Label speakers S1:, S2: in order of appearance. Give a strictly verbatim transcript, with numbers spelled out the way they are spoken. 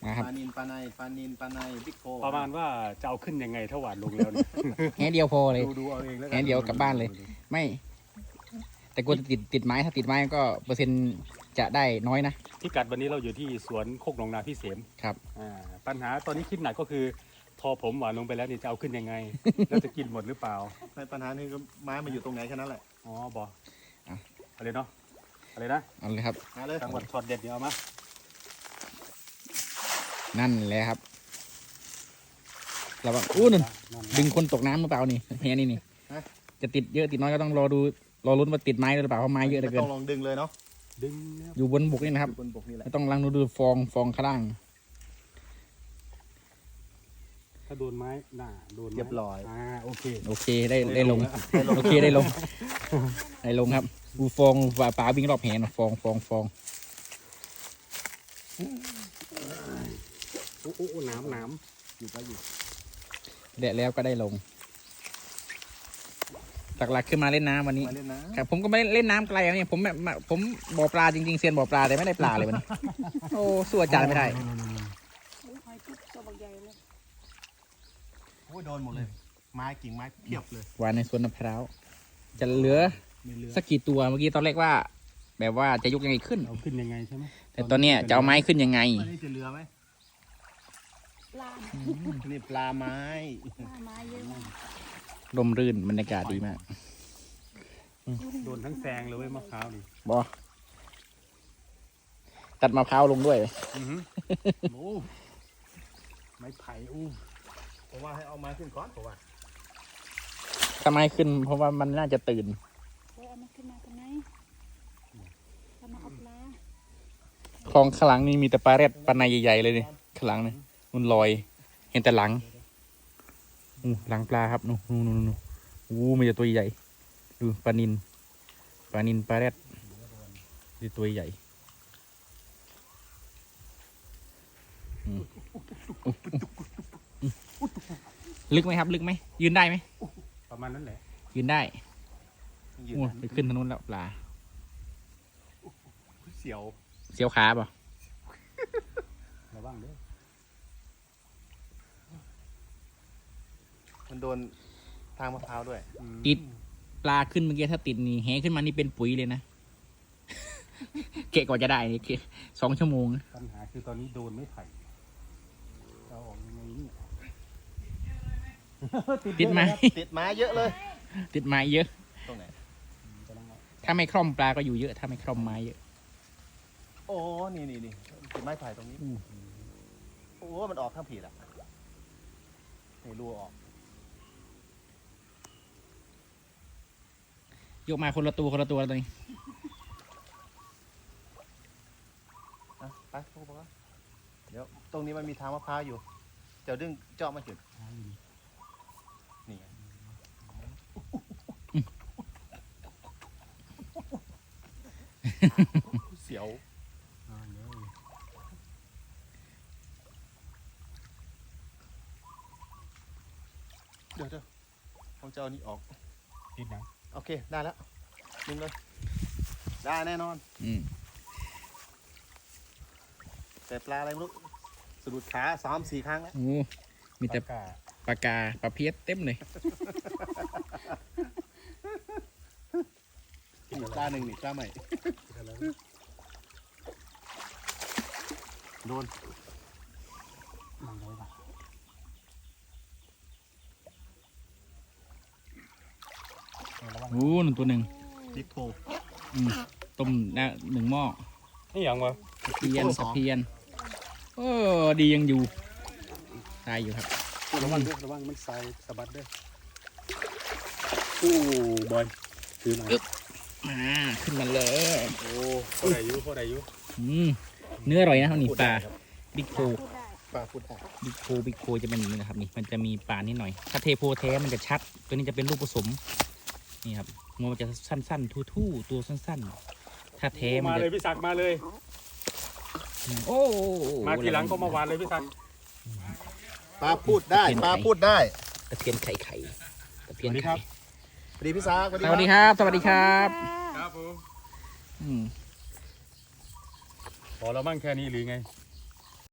S1: นะครับ
S2: ปลานินปลาในปลานินปลาในบิ๊กโค
S3: ประมาณว่าจะเอาขึ้นยังไงถ้าหวานลงแล้วเนี่ย
S1: แค่เดียวพอเลย
S3: ดูดูเอาเองแล้วกั
S1: แค่เดียวกลับบ้านเลย ไม่ แต่กลัวจะติดติดไม้ถ้าติดไม้ก็เปอร์เซ็นต์จะได้น้อยนะ
S3: พิกัดวันนี้เราอยู่ที่สวนโคกหนองนาพี่เสม
S1: ครับ
S3: อ่าปัญหาตอนนี้คิดหนักก็คือ พอผมหวานลงไปแล้วนี่จะเอาขึ้นยังไง แล้วจะกินหมดหรือเปล่า
S2: ในปัญหานี่ก็ไม้มาอยู่ตรงไหนแค่นั้นแหละ
S3: อ๋อบอ
S1: อ่ะ
S3: อะไรเนาะอะไรนะ
S1: เอาเลยครับ
S2: มาเลย
S3: จังหวัดช็อตเด็ดเดี๋ยวเอามา
S1: นั่นแหละครับเราบอกอู้นั่น
S3: นั่น
S1: ดึงคนตกน้ำหรือเปล่านี่แฮนี่นี่จะติดเยอะติดน้อยก็ต้องรอดูรอลุ้นว่าติดไม้หรือเปล่าเพราะไม้เยอะเหลือ
S2: ไม่
S1: เกิ
S2: ต้
S1: น
S2: องลองดึงเลยเนาะ
S3: ดึงนะครับ
S1: อยู่บนบกนี่นะครับ
S2: บนบกนี่แหละ
S1: ไม่ต้องลังดูดูฟองฟองข้างล่าง
S3: ถ้าโดนไม้หน้าโดนไม้
S2: เรียบร้อย
S3: อ่าโอเค
S1: โอเคได้ได้ลง
S3: ได้ลง
S1: โอเคได้ลงได้ลงครับดูฟองปลาปลาวิ่งรอบแหนฟองฟองฟอง
S3: โอ้โอ้โอ้น้ำน้
S2: อยู่ก็อยู่
S1: เด็ดแล้วก็ได้ลงหลักๆขึ้นมาเล่นน้ำวันนี้
S2: มาเล่นนะครับ
S1: ผมก็ไม่ได้เล่นน้ำไกลนะเนี่ยผมแบบมาผมบ่อปลาจริงๆเซียนบ่อปลาแต่ไม่ได้ปลาเลยวันนี้ โอ้สู้อาจารย์ไม่ได้
S4: หอยจุ๊บตัวบักใหญ่เลย
S2: โอ้ยโดนหมดเลย ไม้กิ่งไม้เพียบเลย
S1: วานในสวนมะพร้าวจะเหลือ
S3: มีเรือ
S1: สักกี่ตัวเมื่อกี้ตอนแรกว่า แบบว่าจะยกยังไงขึ้น
S3: เอาขึ้นยังไงใช่ไหม
S1: แต่ตอนเนี้ยจะเอาไม้ขึ้นยังไง
S2: อันนี้จะเรือไหม
S4: ปลา
S2: นี่ปลาไม้
S4: ปลาไม้เยอะมาก
S1: ลมรื่นบรรยากาศดีมาก
S3: โดนทั้งแซงเลยเว้ยมะพร้าวดิ
S1: บอตัดมะพร้าวลงด้วย
S3: อือหือ
S2: โอ้
S3: ไม้ไผ่อู้
S2: ผมว่าให้เอาไม้ขึ้นก่อนผมว่า
S1: ถ้าไม้ขึ้น เพราะว่ามันน่าจะตื่น
S4: เฮ้ยเอามาขึ้นมาทำไมทำมาเอาปลา
S1: คลองข้างหลังนี่มีแต่ปลาแรดปลาในใหญ่ๆเลยนี่ข้างหลังนี่มันลอย เห็นแต่หลังอู้หลังปลาครับนู่นนู่นนู่นนู่นอู้มีแต่ตัวใหญ่ดูปลานินปลานินปลาแรดดูตัวใหญ่อืมลึกไหมครับ ลึกไหมยืนได้ไหม
S3: ประมาณนั้นแหละ
S1: ยืนได้
S2: ยืน
S1: โอ้ไปขึ้นทางนู้นแล้วปลา
S2: เสียว
S1: เสียวขาเปล่ะ
S3: ระวังเด้อ
S2: มันโดนทางมะพร้าวด้วย
S3: อืม
S1: ติดปลาขึ้นเมื่อกี้ถ้าติดนี่แหขึ้นมานี่เป็นปุ๋ยเลยนะ เกะกว่าจะได้นี่เกะสองชั่วโมง
S3: ปัญหาคือตอนนี้โดนไม้ไผ่เราออกยังไงนี่
S1: ติดไหม
S2: ติดไม้เยอะเลย
S1: ติดไม้เยอะ
S2: ตรงไหน
S3: กำลังเอา
S1: ถ้าไม่คล่อมปลาก็อยู่เยอะ ถ้าไม่คล่อมไม้เยอะ
S2: โอ้ นี่นี่นี่ติดไม้ไผ่ตรงนี้ โอ้ มันออกข้างผิดอ่ะนี่รูออก
S1: ยกมาคนละตัวคนละตัวตัวนี้
S2: นะไปพวกเราเดี๋ยวตรงนี้มันมีทางมะพร้าวอยู่ เดี๋ยวดึงเจาะมาถึงนี่ไงเสียว
S3: อ่าเดี๋ยว
S2: เดี๋ยวเดี๋ยวผมจะเอานี่ออก
S3: ติดนะ
S2: โอเค ได้แล้วดึงเลย ได้แน่นอน
S1: อืม
S2: แต่ปลาอะไรไม่รู้สะดุดขาสามสี่ครั้งแล้ว
S1: โอ้มีแต่
S3: ปากกา
S1: ปลากาปลาเพี้ยเต็มเลย
S2: นี่ปลาหนึ่งนี่ปลาใหม่
S3: ติดอะไรวะ
S2: โดน
S3: นั่งไว้ป่ะเอาระวัง
S1: โอ้หนึ่งตัวหนึ่ง
S2: บิ๊กโพ
S1: อืมต้มได้หนึ่งหม้อ
S3: นี่อย่างวะ
S1: ตะเพียนตะเพียนโอ้ดียังอยู่ตายอยู่ครับ
S3: ระวังด้วยระวังมันใส่สะบัดด้วยโอ้บอยถือหน่อย
S1: มาขึ้นมาเลย
S3: โอ้พอได้อยู่พอได้อยู่
S1: อืมเนื้ออร่อยนะครับนี่ปลาบิ๊กโพ
S4: พูดได้
S2: ปลาพูดได้
S1: บิ๊กโพบิ๊กโพจะเป็นอย่างนี้นะครับนี่มันจะมีปลานิดหน่อย ถ้าเทโพแท้มันจะชัด ตัวนี้จะเป็นลูกผสมนี่ครับงวมันจะสั้นๆทู่ๆตัวสั้นๆ ถ้าแท้มัน
S3: มา
S1: จะ
S3: เลยพี่ศักดิ์มาเลย
S1: โอ้
S3: มาทีหลังก็มาวานเลยพี่ศักดิ์
S2: ปลาพูดได้ ปลาพูดได้
S1: ตะเพียนไข่ไข่ตะเพียน
S2: สวัสดีค
S1: ไข่
S2: รับ สวัสดีพี่ซาสวัส
S1: ส
S2: ดี
S1: วัสดีครับ สวัสดีครับ
S3: ครับผม
S1: อืม
S3: พอแล้วมั่งแค่นี้หรือไง